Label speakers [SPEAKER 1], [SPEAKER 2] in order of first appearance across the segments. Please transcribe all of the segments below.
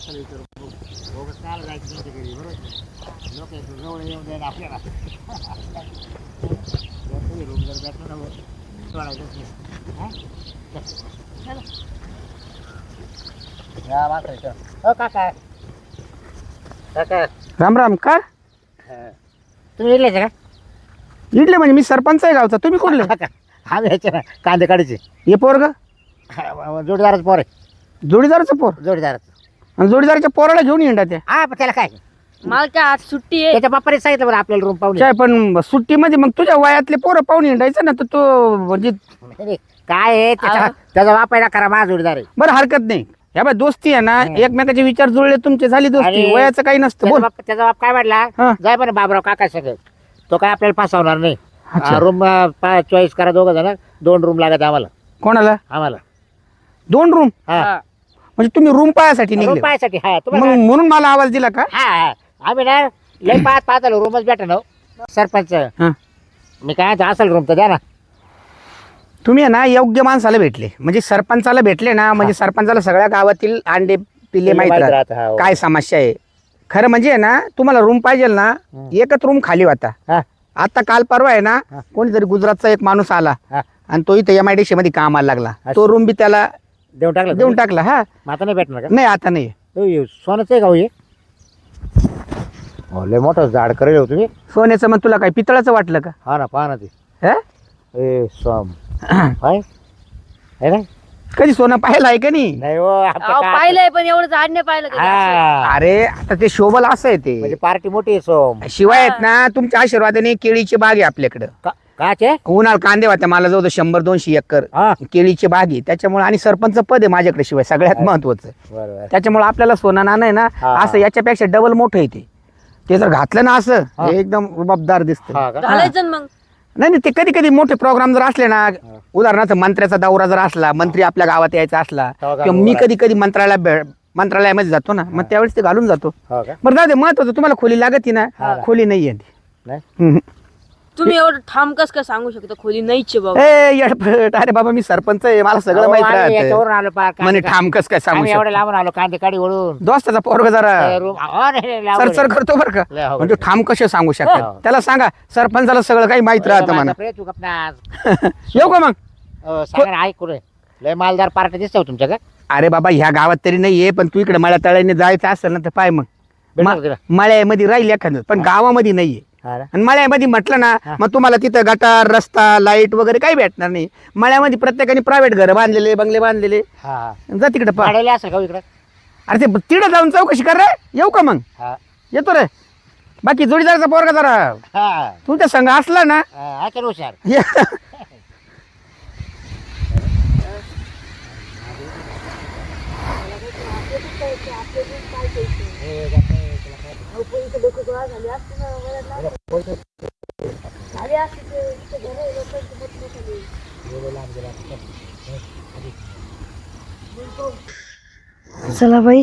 [SPEAKER 1] माणसाला विचारू बोगस कायला जायचं त्यांच्या घरी बरोबर लोक जवळ येऊन जाईल आपल्याला तुम्ही रूम जर भेटलं ना सोडायचंच नाही हा मात्र हो काका काका
[SPEAKER 2] राम राम का
[SPEAKER 1] तुम्ही इडलेच का
[SPEAKER 2] इडले म्हणजे मी सरपंच आहे गावचा. तुम्ही कुठले?
[SPEAKER 1] हा यायचे ना कांदे काढायचे
[SPEAKER 2] हे पोरग
[SPEAKER 1] जोडीदारच पोर आहे
[SPEAKER 2] जोडीदाराचं पोर
[SPEAKER 1] जोडीदारच
[SPEAKER 2] आणि जोडीदाराच्या पोराला घेऊन येणार त्या
[SPEAKER 1] हा पण त्याला काय
[SPEAKER 3] मला काय आज सुट्टी आहे.
[SPEAKER 1] त्याच्या बाप्पाने सांगितलं बरं आपल्याला रूम पाहून
[SPEAKER 2] काय पण सुट्टीमध्ये मग तुझ्या वयातले पोरं पाहून हिंडायचं ना तर तो म्हणजे
[SPEAKER 1] काय आहे त्याचा बापायला करा माझा जोडीदार आहे
[SPEAKER 2] बरं हरकत नाही. ह्या बाय दोस्ती आहे ना एकमेकाचे विचार जुळले तुमचे झाली दोस्ती.
[SPEAKER 1] अरे,
[SPEAKER 2] वयाचं काही नसतं.
[SPEAKER 1] त्याचा
[SPEAKER 2] बोल.
[SPEAKER 1] त्याचा बाप काय म्हटला
[SPEAKER 2] हा.
[SPEAKER 1] जाय पण बाबराव काका सगळं तो काय आपल्याला फसवणार नाही
[SPEAKER 2] अच्छा.
[SPEAKER 1] रूम चॉईस करा दोघं जण 2 रूम लागत आम्हाला
[SPEAKER 2] कोणाला?
[SPEAKER 1] आम्हाला
[SPEAKER 2] 2 रूम
[SPEAKER 1] हा
[SPEAKER 3] हा.
[SPEAKER 2] म्हणजे तुम्ही रूम पाहायसाठी
[SPEAKER 1] रूम
[SPEAKER 2] निघले
[SPEAKER 1] पाहायसाठी हा
[SPEAKER 2] मग
[SPEAKER 1] तुम्हाला
[SPEAKER 2] म्हणून मला आवाज दिला का?
[SPEAKER 1] हा हा आम्ही ना लय पाहत आलो रूमच भेटा ना सरपंच
[SPEAKER 2] हा.
[SPEAKER 1] मी काय असेल रूम तर द्या ना
[SPEAKER 2] तुम्ही आहे ना योग्य माणसाला भेटले म्हणजे सरपंचाला भेटले ना म्हणजे सरपंचाला सगळ्या गावातील अंडे पिल्ले माहित राहतात.
[SPEAKER 1] राहतं, हा, हो.
[SPEAKER 2] काय समस्या आहे खरं म्हणजे आहे ना तुम्हाला रूम पाहिजे ना एकच रूम खाली होता.
[SPEAKER 1] हा.
[SPEAKER 2] आता काल परवा आहे ना
[SPEAKER 1] हा.
[SPEAKER 2] कोणीतरी गुजरातचा एक माणूस आला
[SPEAKER 1] हा.
[SPEAKER 2] आणि तो इथे MIDC मध्ये कामाला लागला.
[SPEAKER 1] अच्छा.
[SPEAKER 2] तो रूम बी त्याला
[SPEAKER 1] देऊन टाकलं
[SPEAKER 2] देऊन टाकला. हा
[SPEAKER 1] आता नाही भेटणार का
[SPEAKER 2] नाही आता नाही.
[SPEAKER 1] सोनच आहे का हो हे लय मोठं झाड करेल हो तुम्ही
[SPEAKER 2] सोन्याचं मग तुला काय पितळाचं वाटलं का?
[SPEAKER 1] हा ना पहा ना ते
[SPEAKER 2] हा?
[SPEAKER 1] ए सोम हाय है ना
[SPEAKER 2] कधी सोनं पाहिलं आहे का नाही?
[SPEAKER 1] नाही हो आमचं
[SPEAKER 3] अहो,
[SPEAKER 1] काय-
[SPEAKER 3] पाहिलंय पण एवढं झाड नाही पाहिलं कधी असं.
[SPEAKER 1] हा.
[SPEAKER 2] अरे आता ते शोभल असं आहे
[SPEAKER 1] म्हणजे
[SPEAKER 2] ते.
[SPEAKER 1] पार्टी मोठी आहे सोम
[SPEAKER 2] शिवाय आहेत ना तुमच्या आशीर्वादाने केळीची बाग आहे आपल्याकडं.
[SPEAKER 1] काचे
[SPEAKER 2] उन्हाळ कांदे होत्या मला जवळ 100-200 एकर
[SPEAKER 1] हा
[SPEAKER 2] केळीची बाग आहे त्याच्यामुळे आणि सरपंच पद आहे माझ्याकडे शिवाय सगळ्यात महत्वाचं.
[SPEAKER 1] बरोबर
[SPEAKER 2] त्याच्यामुळे आपल्याला सोनं नाणं आहे ना
[SPEAKER 1] हा.
[SPEAKER 2] असं याच्यापेक्षा डबल मोठं आहे ते जर घातलं ना असं
[SPEAKER 1] हा.
[SPEAKER 2] हे एकदम रुबाबदार दिसतं.
[SPEAKER 1] हा का
[SPEAKER 3] घालायचं ना मग.
[SPEAKER 2] नाही नाही ते कधी कधी मोठे प्रोग्राम जर असले ना उदाहरणार्थ मंत्र्याचा दौरा जर असला मंत्री आपल्या गावात यायचा असला
[SPEAKER 1] तेव्हा
[SPEAKER 2] किंवा
[SPEAKER 1] घालून
[SPEAKER 2] मी
[SPEAKER 1] उभा
[SPEAKER 2] कधी कधी मंत्रालयामध्ये जातो ना मग त्यावेळेस ते घालून जातो.
[SPEAKER 1] हो का
[SPEAKER 2] बरं जाऊ दे महत्वाचं तुम्हाला खोली लागती ना
[SPEAKER 1] हा.
[SPEAKER 2] खोली नाहीये ती.
[SPEAKER 1] नाही
[SPEAKER 2] हम्म.
[SPEAKER 3] तुम्ही एवढं ठाम कस काय सांगू शकता खोली नाहीच आहे बाबा.
[SPEAKER 2] ए येडपट अरे बाबा मी सरपंच आहे मला सगळं
[SPEAKER 1] अहो,
[SPEAKER 2] माहित
[SPEAKER 1] आम्ही
[SPEAKER 2] राहतं.
[SPEAKER 1] याच्यावरून आलो पार
[SPEAKER 2] म्हणे ठाम कस काय सांगू
[SPEAKER 1] आम्ही एवढे
[SPEAKER 2] शकतो.
[SPEAKER 1] लांबून आलो कांदे काढी वळून
[SPEAKER 2] दोस्ताचा पोरग जरा
[SPEAKER 1] रूम नाही, लांबून
[SPEAKER 2] सरसर करतो बरं का
[SPEAKER 1] लय अवघड
[SPEAKER 2] म्हणजे ठाम कसे सांगू शकतात
[SPEAKER 1] हो.
[SPEAKER 2] त्याला सांगा सरपंचाला सगळं काही माहित राहतं म्हणा.
[SPEAKER 1] बापरे, तू गप्पा
[SPEAKER 2] येऊ का मग?
[SPEAKER 1] सांगा ना, ऐक कुठे लय मालदार पार्टी दिसतो तुमच्या का
[SPEAKER 2] अरे बाबा ह्या गावात तरी नाहीये पण तू इकडे मळ्या तळ्याने जायचं असेल ना तर पाय मग
[SPEAKER 1] भेटणार का तिला?
[SPEAKER 2] मळ्यामध्ये राहील एखादं पण गावामध्ये नाहीये.
[SPEAKER 1] हा ना?
[SPEAKER 2] आणि मळ्यामध्ये म्हटलं ना
[SPEAKER 1] हा.
[SPEAKER 2] मग तुम्हाला तिथं गटार रस्ता लाईट वगैरे काही भेटणार नाही. मळ्यामध्ये प्रत्येकाने प्रायव्हेट घर बांधलेले बंगले बांधलेले
[SPEAKER 1] हा हा.
[SPEAKER 2] जा तिकडे पा.
[SPEAKER 1] भाड्याला असेल का हो इकडं
[SPEAKER 2] अरे ते तिकडे जाऊन चौकशी कर रे. येऊ का मग?
[SPEAKER 1] हा
[SPEAKER 2] येतो रे. बाकी जोडीदाराचा पोरगा जरा
[SPEAKER 1] हा
[SPEAKER 2] तुमच्या संघ असला ना
[SPEAKER 1] ऐकेल हुशार
[SPEAKER 2] ये.
[SPEAKER 4] चला बाई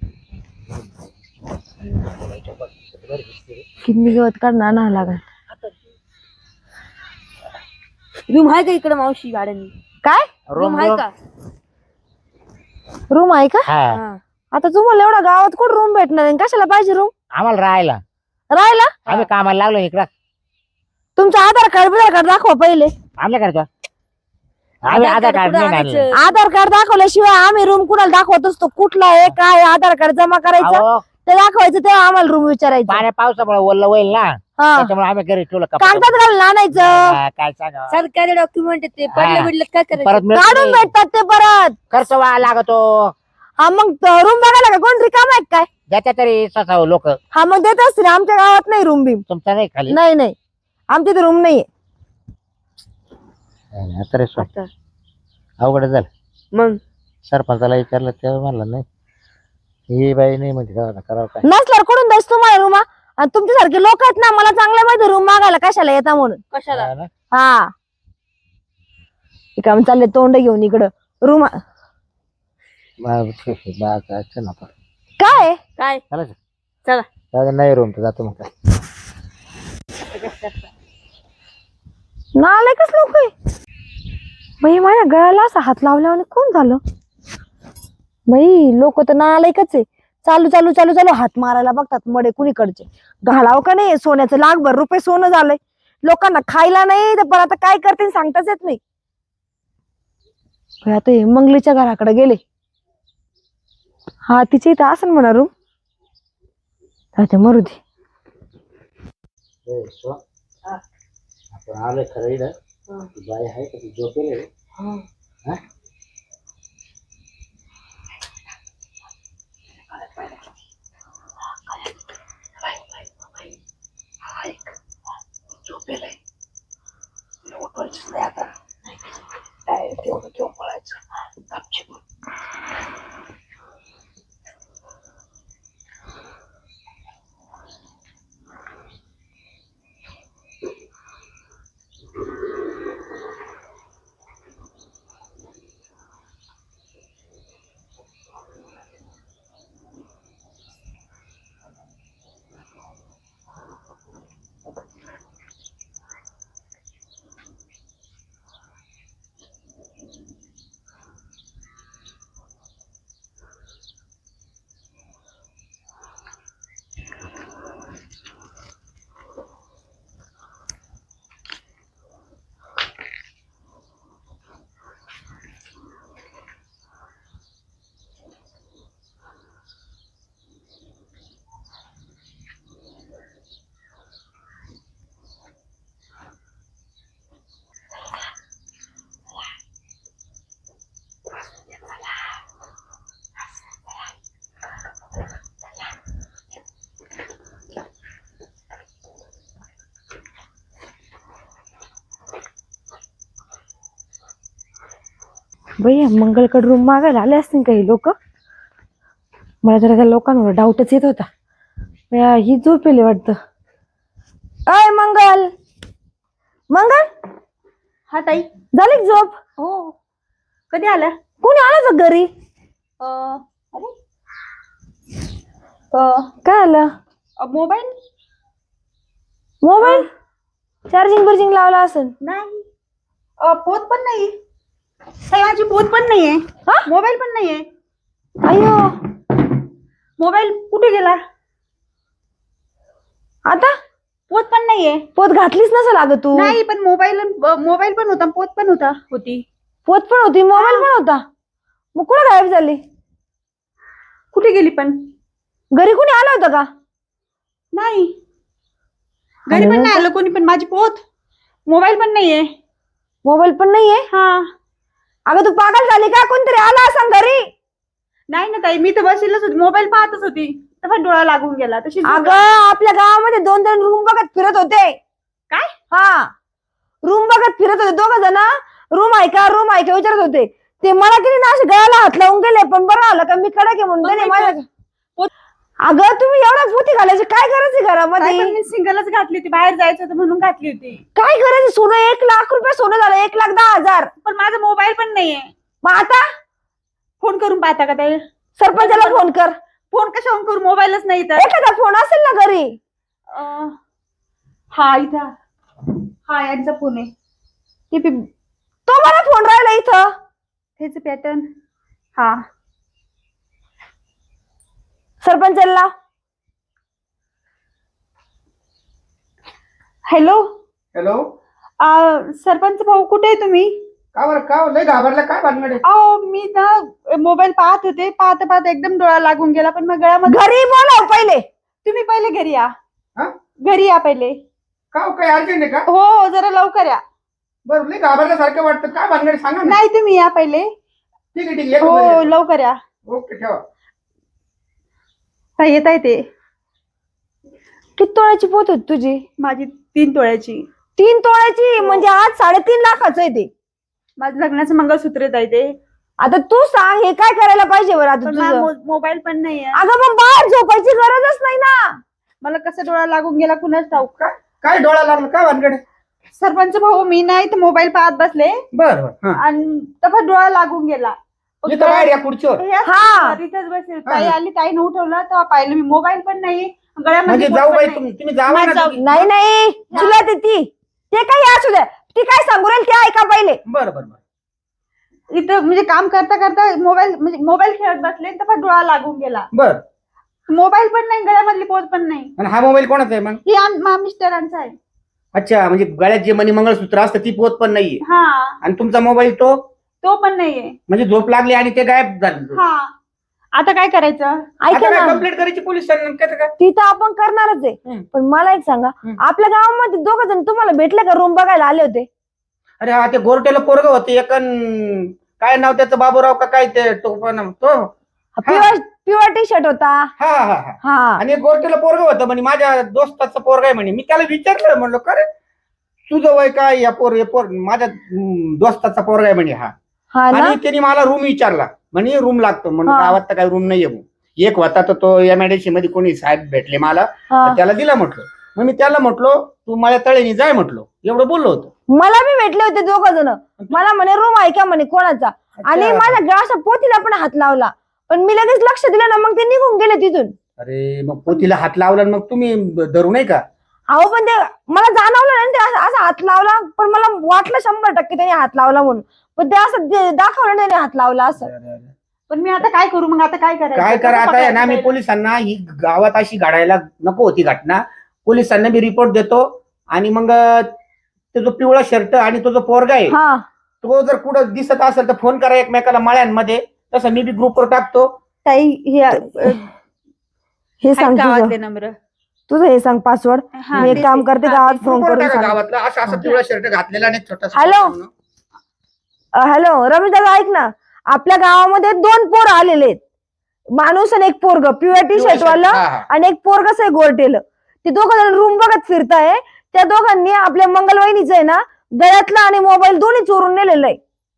[SPEAKER 4] किडनी गवत काढणार ना लागल.
[SPEAKER 3] रूम आहे का इकडे मावशी गाड्यांनी?
[SPEAKER 4] काय
[SPEAKER 3] रूम आहे का?
[SPEAKER 4] रूम आहे का?
[SPEAKER 1] हा
[SPEAKER 3] हा.
[SPEAKER 4] आता तुम्हाला एवढा गावात कुठं रूम भेटणार आहे? कशाला पाहिजे रूम
[SPEAKER 1] आम्हाला राहायला
[SPEAKER 4] राहायला?
[SPEAKER 1] आम्ही कामाला लागलो इकडं
[SPEAKER 4] तुमचं आधार कार्ड दाखवा पहिले.
[SPEAKER 1] आमल्या करतो आम्ही आधार कार्ड
[SPEAKER 3] कुठं
[SPEAKER 1] नाही आणलं.
[SPEAKER 3] आणायचं?
[SPEAKER 4] आधार कार्ड दाखवल्याशिवाय आम्ही रूम कुणाला दाखवत असतो. कुठला आहे काय आधार कार्ड जमा करायचं
[SPEAKER 1] अहो,
[SPEAKER 4] ते दाखवायचं तेव्हा आम्हाला रूम विचारायचं.
[SPEAKER 1] पाण्या पावसामुळे ओल्लं होईल ना
[SPEAKER 4] हा
[SPEAKER 1] त्याच्यामुळे आम्ही घरी ठेवलं कपडे.
[SPEAKER 4] कागदात घालून आणायचं.
[SPEAKER 1] हा, काय सांगा
[SPEAKER 3] सरकारी डॉक्युमेंट ते
[SPEAKER 1] हा.
[SPEAKER 3] पडले बिडले काय करायचं?
[SPEAKER 1] परत मिळत
[SPEAKER 4] काढून
[SPEAKER 1] नाही.
[SPEAKER 4] भेटतात ते परत.
[SPEAKER 1] खर्च व्हायला लागतो
[SPEAKER 4] हा मग रूम बघायला का कोण रिकाम आहे काय?
[SPEAKER 1] ज्याच्या तरी स्वतः लोक
[SPEAKER 4] हा मग देत असतील. आमच्या गावात नाही रूम बिम.
[SPEAKER 1] तुमचा नाही खाली
[SPEAKER 4] नाही नाही आमच्या इथे रूम नाहीये.
[SPEAKER 1] तरी
[SPEAKER 3] आता.
[SPEAKER 1] अवघड झालं
[SPEAKER 3] मग
[SPEAKER 1] सरपंचाला विचारलं तेव्हा म्हणलं नाही ही बाई नाही म्हणजे करावं काय
[SPEAKER 4] नसल्यावर कुठून द्यायच तुम्हाला रूम? आणि तुमच्यासारखे लोक आहेत ना मला चांगल्या माहिती रूम मागायला कशाला येता म्हणून.
[SPEAKER 3] कशाला?
[SPEAKER 1] हा ना?
[SPEAKER 4] हा काम चालले तोंड घेऊन इकडं रूम
[SPEAKER 1] चला आता.
[SPEAKER 4] काय
[SPEAKER 3] काय
[SPEAKER 1] चालायचं?
[SPEAKER 3] चला
[SPEAKER 1] जाऊ दे, नाही रूम तर जातो मग काय
[SPEAKER 4] नालायकच लोक आहे बाई. माझ्या गळ्याला असा हात लावल्यावर कोण झालं बाई? लोक तर नालायकच आहे. चालू चालू चालू चालू हात मारायला बघतात मडे कुणीकडचे. घालाव का नाही सोन्याचं लाखभर रुपये सोनं झालंय. लोकांना खायला नाही तर पण आता काय करते सांगताच येत नाही. आता हे मंगलीच्या घराकडे गेले. हा तिच्या इथं असं म्हणा रूम. आता मरू दे.
[SPEAKER 1] आपण आलोय खरं इथं. ती बाई आहे का ती झोपेल आहे? हा? झोपेल आहे. उठवायचंच नाही आता. तेवढं घेऊन पळायचं गपचूप.
[SPEAKER 4] बाई मंगलकड रूम मागायला आले असतील काही लोक. मला जरा त्या लोकांवर डाऊटच येत होता. ही झोपेली वाटतं. अय मंगल मंगल
[SPEAKER 3] हा ताई.
[SPEAKER 4] झाली का झोप?
[SPEAKER 3] हो. कधी आल्या?
[SPEAKER 4] कोणी आलं का घरी?
[SPEAKER 3] अरे
[SPEAKER 4] काय आलं?
[SPEAKER 3] मोबाईल
[SPEAKER 4] मोबाईल चार्जिंग बर्जिंग लावला असेल.
[SPEAKER 3] नाही. पोत पण नाही. माझी पोत पण नाहीये. मोबाईल पण नाहीये.
[SPEAKER 4] अयो
[SPEAKER 3] मोबाईल कुठे गेला?
[SPEAKER 4] आता
[SPEAKER 3] पोत पण नाहीये.
[SPEAKER 4] पोत घातलीच नसेल अगं तू.
[SPEAKER 3] नाही पण मोबाईल पण होता, पोत पण होती.
[SPEAKER 4] पोत पण होती, मोबाईल पण होता. मग कुठं गायब झाली?
[SPEAKER 3] कुठे गेली पण?
[SPEAKER 4] घरी कुणी आलं होतं का?
[SPEAKER 3] नाही. घरी पण नाही आलं कोणी. पण माझी पोत, मोबाईल पण नाहीये.
[SPEAKER 4] मोबाईल पण नाहीये?
[SPEAKER 3] हा.
[SPEAKER 4] अगं तू पागल झाली का? कोणतरी आला असं घरी.
[SPEAKER 3] नाही ना ताई, मी तर बसलेलच होती, मोबाईल पाहतच होती, तर डोळा लागून गेला. तशी
[SPEAKER 4] अगं आपल्या गावामध्ये 2 रूम बघत फिरत होते.
[SPEAKER 3] काय?
[SPEAKER 4] हा रूम बघत फिरत होते 2 जण. रूम आहे का विचारत होते. ते मला किती ना असे गळ्याला हात लावून गेले. पण बरं आलं का मी कडक आहे म्हणून माझ्या. अगं तुम्ही एवढा पोती घालायची काय गरज आहे घरामध्ये?
[SPEAKER 3] मी सिंगलच घातली होती, बाहेर जायचं होतं म्हणून घातली होती.
[SPEAKER 4] काय गरज आहे? सोनं 1 लाख रुपये सोनं झालं. 1,10,000.
[SPEAKER 3] पण माझा मोबाईल पण नाहीये.
[SPEAKER 4] मग आता
[SPEAKER 3] फोन करून पाहता का ताई?
[SPEAKER 4] सरपंचाला फोन कर.
[SPEAKER 3] फोन कशावर करू? मोबाईलच नाही तर.
[SPEAKER 4] एखादा फोन असेल ना घरी.
[SPEAKER 3] हा इथं. हा यांचा फोन आहे.
[SPEAKER 4] तो मला फोन राहिला इथं.
[SPEAKER 3] त्याच पॅटर्न. हा
[SPEAKER 4] सरपंचाला.
[SPEAKER 3] हॅलो.
[SPEAKER 5] हॅलो.
[SPEAKER 3] सरपंच भाऊ कुठे आहे तुम्ही?
[SPEAKER 5] का बरं का लय घाबरला काय भानगड आहे?
[SPEAKER 3] अहो मी ना मोबाईल पाहत होते, पाहता एकदम डोळा लागून गेला. पण मग गळ्यामध्ये.
[SPEAKER 4] घरी बोलाव पहिले.
[SPEAKER 3] तुम्ही पहिले घरी या.
[SPEAKER 5] हा?
[SPEAKER 3] घरी या पहिले.
[SPEAKER 5] का हो, काय अर्जंट आहे का?
[SPEAKER 3] हो जरा लवकर या.
[SPEAKER 5] बरं लय घाबरल्यासारखं वाटतं. काय भानगड आहे सांगा ना.
[SPEAKER 3] नाही तुम्ही या पहिले.
[SPEAKER 5] ठीक आहे येतो
[SPEAKER 3] हो
[SPEAKER 5] घरी.
[SPEAKER 3] लवकर या.
[SPEAKER 5] ओके ठेवा.
[SPEAKER 3] काय येत आहे ते?
[SPEAKER 4] किती तोळ्याची पोत होती तुझी?
[SPEAKER 3] माझी 3 तोळ्याची.
[SPEAKER 4] 3 तोळ्याची म्हणजे आज 3.5 लाखाचं आहे ते.
[SPEAKER 3] माझं लग्नाचं मंगळसूत्र आहे ताई ते.
[SPEAKER 4] आता तू सांग हे काय करायला पाहिजे बरं आता
[SPEAKER 3] पण
[SPEAKER 4] तुझं?
[SPEAKER 3] मोबाईल पण नाही आहे.
[SPEAKER 4] अगं मग बाहेर झोपायची गरजच नाही ना.
[SPEAKER 3] मला कसं डोळा लागून गेला कुणाच ठाऊक.
[SPEAKER 5] काय डोळा लागला काय भानगड आहे?
[SPEAKER 3] सरपंच भाऊ मी नाही तर मोबाईल पाहत बसले
[SPEAKER 5] बरं बरं हा.
[SPEAKER 3] आणि तफा डोळा लागून गेला.
[SPEAKER 5] इथं बाहेर या खुर्चीवर.
[SPEAKER 4] हा.
[SPEAKER 3] इथेच बसले. ताई आली, ताईने उठवलं तेव्हा पाहिलं मी मोबाईल पण नाही, गळ्यामध्ये
[SPEAKER 5] म्हणजे
[SPEAKER 3] पोत
[SPEAKER 5] जाऊ
[SPEAKER 3] पण
[SPEAKER 5] बाई
[SPEAKER 3] नाही.
[SPEAKER 5] तुम्ही जावा ना
[SPEAKER 3] जाऊ.
[SPEAKER 5] तुम्ही.
[SPEAKER 4] नाही तुला ते काही असू द्या. ती काय सांगू राहील ते ऐका पहिले.
[SPEAKER 5] बरं बरं बरं
[SPEAKER 3] इथं म्हणजे काम करता करता मोबाईल खेळत बसले, तफा डोळा लागून गेला.
[SPEAKER 5] बरं
[SPEAKER 3] मोबाईल पण नाही, गळ्यामधली पोत पण नाही.
[SPEAKER 5] आणि हा मोबाईल कोणाचा आहे मग?
[SPEAKER 3] हे मिस्टरांचा आहे.
[SPEAKER 5] अच्छा, म्हणजे गळ्यात जे मणी मंगळसूत्र असतं ती पोत पण नाहीये,
[SPEAKER 3] हा,
[SPEAKER 5] आणि तुमचा मोबाईल तो
[SPEAKER 3] पण नाहीये.
[SPEAKER 5] म्हणजे झोप लागली आणि ते गायब झालं.
[SPEAKER 3] हा, आता काय करायचं?
[SPEAKER 4] ऐका
[SPEAKER 5] आता काय
[SPEAKER 4] ना,
[SPEAKER 5] कंप्लेंट करायची पोलिसांना काय?
[SPEAKER 4] ती तर आपण करणारच आहे.
[SPEAKER 5] हम्म.
[SPEAKER 4] पण मला एक सांगा,
[SPEAKER 5] हम्म.
[SPEAKER 4] आपल्या गावामध्ये दोघ जण तुम्हाला भेटले का रूम बघायला आले होते?
[SPEAKER 5] अरे हा, ते गोरट्याला पोरग होते एक काय नाव त्याचं, बाबूराव का काय ते, तो
[SPEAKER 4] पिवळा टी शर्ट होता.
[SPEAKER 5] हा हा हा.
[SPEAKER 4] हा,
[SPEAKER 5] आणि एक गोरट्याला पोरग होतं म्हणे, माझ्या दोस्ताचं पोरग आहे म्हणे. मी त्याला विचारलं, म्हणलो का रे तुझं वय काय? या पोर माझ्या दोस्ताचा पोरग आहे म्हणे हा.
[SPEAKER 4] हा ना.
[SPEAKER 5] आणि त्यांनी मला रूम विचारला, म्हणे रूम लागतो म्हणून.
[SPEAKER 4] हा.
[SPEAKER 5] गावात तर काही रूम नाहीये भाऊ. एक होता तर तो एमआयडीसी मध्ये कोणी साहेब भेटले मला,
[SPEAKER 4] हा.
[SPEAKER 5] तर त्याला दिला म्हटलं. मग मी त्याला म्हटलो तू माझ्या तळेनी जाय म्हटलो, एवढं बोललो होतो.
[SPEAKER 4] मला बी भेटले होते दोघ जण. मला म्हणे रूम आहे का म्हणे कोणाचा, आणि माझ्या ग्लासा पोतीला पण हात लावला. पण मी लगेच लक्ष दिलं ना, मग ते निघून गेले तिथून.
[SPEAKER 5] अरे मग पोतीला हात लावला आणि मग तुम्ही धरू नाही का?
[SPEAKER 4] अहो पण ते मला जाणवलं नाही ते असा हात लावला, पण मला वाटलं 100% त्याने हात लावला म्हणून. पण ते असं दाखवलं नाही त्याने हात लावला असं.
[SPEAKER 3] पण मी आता काय करू? मग आता काय करायचं?
[SPEAKER 5] काय करा
[SPEAKER 3] कसं
[SPEAKER 5] आता आहे ना, मी
[SPEAKER 3] पकडायचं?
[SPEAKER 5] पोलिसांना ही गावात अशी घडायला नको होती घटना. पोलिसांना मी रिपोर्ट देतो, आणि मग तो जो पिवळा शर्ट आणि तो जो पोरगा आहे
[SPEAKER 4] हा,
[SPEAKER 5] तो जर कुठं दिसत असेल तर फोन करा एकमेकाला मळ्यांमध्ये. तसं मी बी ग्रुपवर टाकतो.
[SPEAKER 4] ताई हे
[SPEAKER 3] आहेत
[SPEAKER 4] सांग
[SPEAKER 3] गावातले नंबर.
[SPEAKER 4] तुझं हे सांग पासवर्ड.
[SPEAKER 3] हा,
[SPEAKER 4] मी एक
[SPEAKER 3] तेच
[SPEAKER 4] काम
[SPEAKER 3] आहे.
[SPEAKER 4] करते,
[SPEAKER 3] हा,
[SPEAKER 4] गावात
[SPEAKER 3] तेच.
[SPEAKER 4] फोन
[SPEAKER 5] ग्रुपवर
[SPEAKER 4] करून
[SPEAKER 5] टाका
[SPEAKER 4] सांग.
[SPEAKER 5] गावातला असं पिवळा शर्ट घातलेला आणि छोटासा.
[SPEAKER 4] हॅलो? हॅलो रमेश दादा, ऐक ना, आपल्या गावामध्ये 2 पोर आलेले आहेत. माणूस आणि एक पोरग, पिवळ्या टी शर्ट वाला आणि एक पोरगच आहे गोरटेलं. ते दोघं जण रूम बघत फिरताय. त्या दोघांनी आपल्या मंगलवाहिनीचं आहे ना, गळ्यातला आणि मोबाईल दोन्ही चोरून नेलेलं आहे.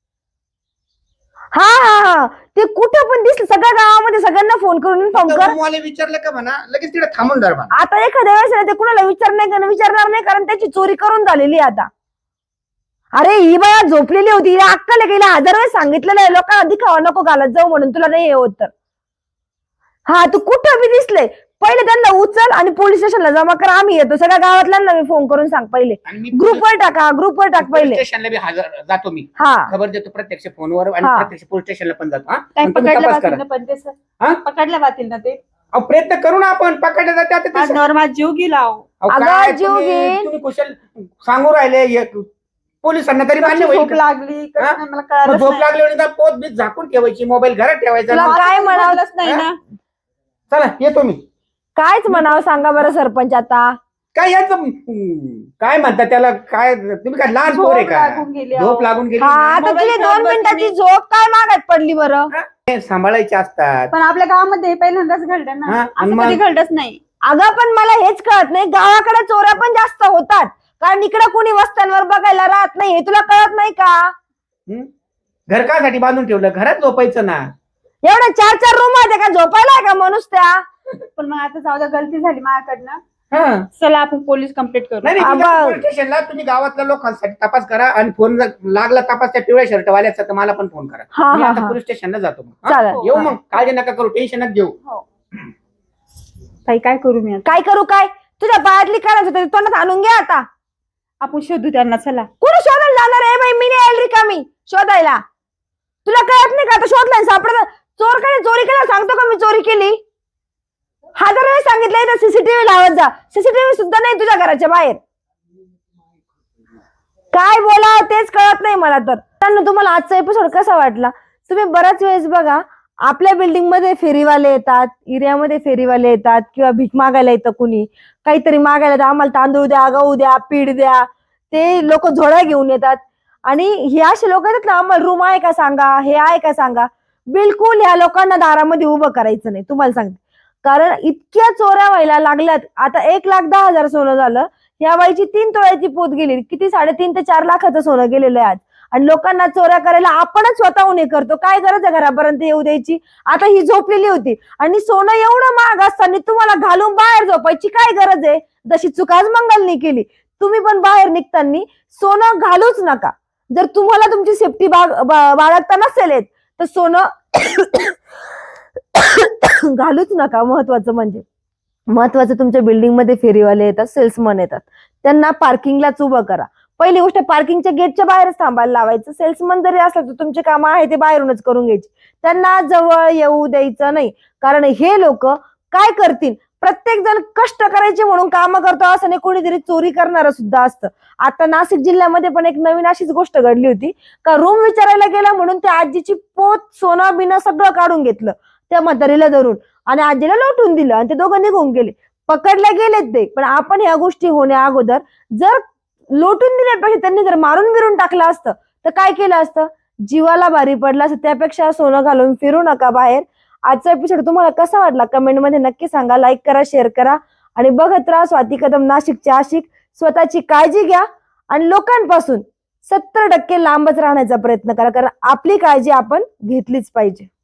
[SPEAKER 4] हा हा हा, ते कुठं पण दिसलं, सगळ्या गावामध्ये सगळ्यांना फोन करून इन्फॉर्म कर.
[SPEAKER 5] मला विचारलं का म्हणा, लगेच तिथे थांबून धर म्हणा.
[SPEAKER 4] आता एखाद्या वेळेस ना ते कुणाला विचारणार नाही, कारण त्याची चोरी करून झालेली आहे आता. अरे ही बाया झोपलेली होती, हिला अक्कल आहे, गेला 1000 वेळेस सांगितलेलं आहे लोकांना दिखावा नको घालत जाऊ म्हणून, तुला नाही हे होत तर. हा, तू कुठं बी दिसले पहिले त्यांना उचल आणि पोलीस स्टेशनला जमा कर, आम्ही येतो. सगळ्या गावातल्यांना मी फोन करून सांग पहिले.
[SPEAKER 5] आणि मी
[SPEAKER 4] ग्रुपवर टाक पहिले.
[SPEAKER 5] स्टेशनला बी हजर जातो मी,
[SPEAKER 4] हा
[SPEAKER 5] खबर देतो प्रत्यक्ष फोनवर, आणि
[SPEAKER 4] हा.
[SPEAKER 5] प्रत्यक्ष पोलीस स्टेशनला पण जातो. हा?
[SPEAKER 3] काय
[SPEAKER 5] आणि तुम्ही
[SPEAKER 3] पकडल्या
[SPEAKER 5] तपास
[SPEAKER 3] जातील
[SPEAKER 5] करा.
[SPEAKER 3] ना? पण ते
[SPEAKER 5] हा?
[SPEAKER 3] पकडल्या जातील ना ते?
[SPEAKER 5] अहो, प्रयत्न करू ना आपण पकडले जाते. आता ते
[SPEAKER 3] माझ्यावर माझा जीव गेला अहो.
[SPEAKER 5] अहो,
[SPEAKER 4] अगं,
[SPEAKER 5] काय
[SPEAKER 4] जीव
[SPEAKER 5] तुम्ही
[SPEAKER 4] घेईन.
[SPEAKER 5] तुम्ही कुशल सांगू राहिले पोलिसांना, तरी मान्य
[SPEAKER 3] कशी
[SPEAKER 5] होईल
[SPEAKER 3] झोप
[SPEAKER 5] का?
[SPEAKER 3] लागली कशी
[SPEAKER 5] हा?
[SPEAKER 3] नाही मला
[SPEAKER 5] मग
[SPEAKER 3] कळालंच
[SPEAKER 5] झोप
[SPEAKER 3] नाही.
[SPEAKER 5] लागली आणि त्या पोत बीत झाकून ठेवायची, मोबाईल घरात ठेवायचा.
[SPEAKER 4] तुला
[SPEAKER 5] ना.
[SPEAKER 4] काय म्हणावं?
[SPEAKER 3] कळालंच नाही ना.
[SPEAKER 5] चला येतो मी.
[SPEAKER 4] कायच म्हणावं सांगा बरं सरपंच आता.
[SPEAKER 5] काय याचं काय म्हणतात त्याला, काय तुम्ही काय लहान पोर आहे
[SPEAKER 3] झोप
[SPEAKER 5] का?
[SPEAKER 3] लागून गेली अहो.
[SPEAKER 5] झोप लागून गेली
[SPEAKER 4] हा,
[SPEAKER 5] ना.
[SPEAKER 4] आता
[SPEAKER 3] मोबाईल
[SPEAKER 4] तुझी
[SPEAKER 3] फोन
[SPEAKER 4] 2
[SPEAKER 3] बघ
[SPEAKER 4] मिनिटाची
[SPEAKER 3] तुम्ही.
[SPEAKER 4] झोप काय मागात पडली बरं?
[SPEAKER 5] हे सांभाळायचे असतात.
[SPEAKER 3] पण आपल्या गावामध्ये हे पहिल्यांदाच घडलं ना,
[SPEAKER 5] हा, आणि
[SPEAKER 3] असं कधी
[SPEAKER 5] मग?
[SPEAKER 3] घडलंच नाही.
[SPEAKER 4] अगं पण मला हेच कळत नाही, गावाकडे चोऱ्या पण जास्त होतात, कारण इकडे कोणी वस्त्यांवर बघायला राहत नाही. हे तुला कळत नाही का?
[SPEAKER 5] हं? घर कासाठी बांधून ठेवलं, घरात झोपायचं ना.
[SPEAKER 4] एवढ्या 4 रूम आहेत का, झोपायला आहे का माणूस त्या?
[SPEAKER 3] पण मग आता जाऊ द्या, गलती झाली माझ्याकडनं.
[SPEAKER 5] हा.
[SPEAKER 3] चला आपण पोलीस कंप्लेंट करू.
[SPEAKER 5] नाही नाही,
[SPEAKER 4] आबा.
[SPEAKER 5] पोलीस स्टेशनला तुम्ही गावातल्या लोकांसाठी तपास करा, आणि फोन जर लागला तपास त्या पिवळ्या शर्टवाल्याचा तर मला पण फोन करा.
[SPEAKER 4] हा
[SPEAKER 5] मी
[SPEAKER 4] हा
[SPEAKER 5] आता
[SPEAKER 4] हा,
[SPEAKER 5] पोलीस स्टेशनला जातो मग. हा?
[SPEAKER 4] चालेल.
[SPEAKER 5] येऊ मग, काळजी नका करू, टेन्शनच घेऊ.
[SPEAKER 3] हो. ताई काय करू मी आता?
[SPEAKER 4] काय करू काय? तुझ्या पायातली करायचं तरी तोंडात आणून घे आता.
[SPEAKER 3] आपण शोधू त्यांना, चला.
[SPEAKER 4] कुठे शोधायला जाणार आहे बाई? मी नाही आली रिकामी शोधायला. तुला कळत नाही का आता? शोधलाय सापडत. चोर काय चोरी केला सांगतो का मी चोरी केली? 1000 वेळेस सांगितलंय तर सीसीटीव्ही लावत जा. सीसीटीव्ही सुद्धा नाही तुझ्या घराच्या बाहेर. काय बोला तेच कळत नाही मला तर. मित्रांनो, तुम्हाला आजचा एपिसोड कसा वाटला? तुम्ही बऱ्याच वेळेस बघा, आपल्या बिल्डिंग मध्ये फेरीवाले येतात, एरियामध्ये फेरीवाले येतात, किंवा भीक मागायला येतं कुणी, काहीतरी मागायला तर आम्हाला तांदूळ द्या, गहू द्या, पीठ द्या. ते लोक झोळ्या घेऊन येतात, आणि हे असे लोक येतात ना, आम्हाला रूम आहे का सांगा, हे आहे का सांगा. बिलकुल ह्या लोकांना दारामध्ये उभं करायचं नाही, तुम्हाला सांगते. कारण इतक्या चोऱ्या व्हायला लागल्यात. आता 1,10,000 सोनं झालं. या बाईची 3 तोळ्याची पोत गेली. किती 3.5 ते 4 लाखाचं सोनं गेलेलं आहे आज. आणि लोकांना चोऱ्या करायला आपणच स्वतःहून हे करतो. काय गरज आहे घरापर्यंत येऊ द्यायची? आता ही झोपलेली होती, आणि सोनं एवढं महाग असताना तुम्हाला घालून बाहेर झोपायची काय गरज आहे? जशी चूक आज मंगलनी केली. तुम्ही पण बाहेर निघताना सोनं घालूच नका. जर तुम्हाला तुमची सेफ्टी बाळगता नसेल येत तर सोनं घालूच नका. महत्वाचं तुमच्या बिल्डिंग मध्ये फेरीवाले येतात, सेल्समन येतात, त्यांना पार्किंगलाच उभं करा. पहिली गोष्ट, पार्किंगच्या गेटच्या बाहेरच थांबायला लावायचं. सेल्समन जरी असलं तर तुमचे काम आहे ते बाहेरूनच करून घ्यायचे. त्यांना जवळ येऊ द्यायचं नाही, कारण हे लोक काय करतील? प्रत्येक जण कष्ट करायचे म्हणून काम करतो असं नाही, कोणीतरी चोरी करणारं सुद्धा असतं. आता नाशिक जिल्ह्यामध्ये पण एक नवीन अशीच गोष्ट घडली होती का रूम विचारायला गेला म्हणून त्या आजीची पोत सोनं बिनं सगळं काढून घेतलं त्या म्हातारीला धरून आणि आजीला लोटून दिलं आणि ते दोघं निघून गेले. पकडले गेलेत ते. पण आपण ह्या गोष्टी होण्या अगोदर जर लोटून दिल्यापेक्षा त्यांनी जर मारून बिरून टाकलं असतं तर काय केलं असतं? जीवाला भारी पडलं असतं. त्यापेक्षा सोनं घालून फिरू नका बाहेर. आजचा एपिसोड तुम्हाला कसा वाटला कमेंट मध्ये नक्की सांगा. लाईक करा, शेअर करा आणि बघत राहा स्वाती कदम नाशिकचे आशिक. स्वतःची काळजी घ्या आणि लोकांपासून 70% लांबच राहण्याचा प्रयत्न करा, कारण आपली काळजी आपण घेतलीच पाहिजे.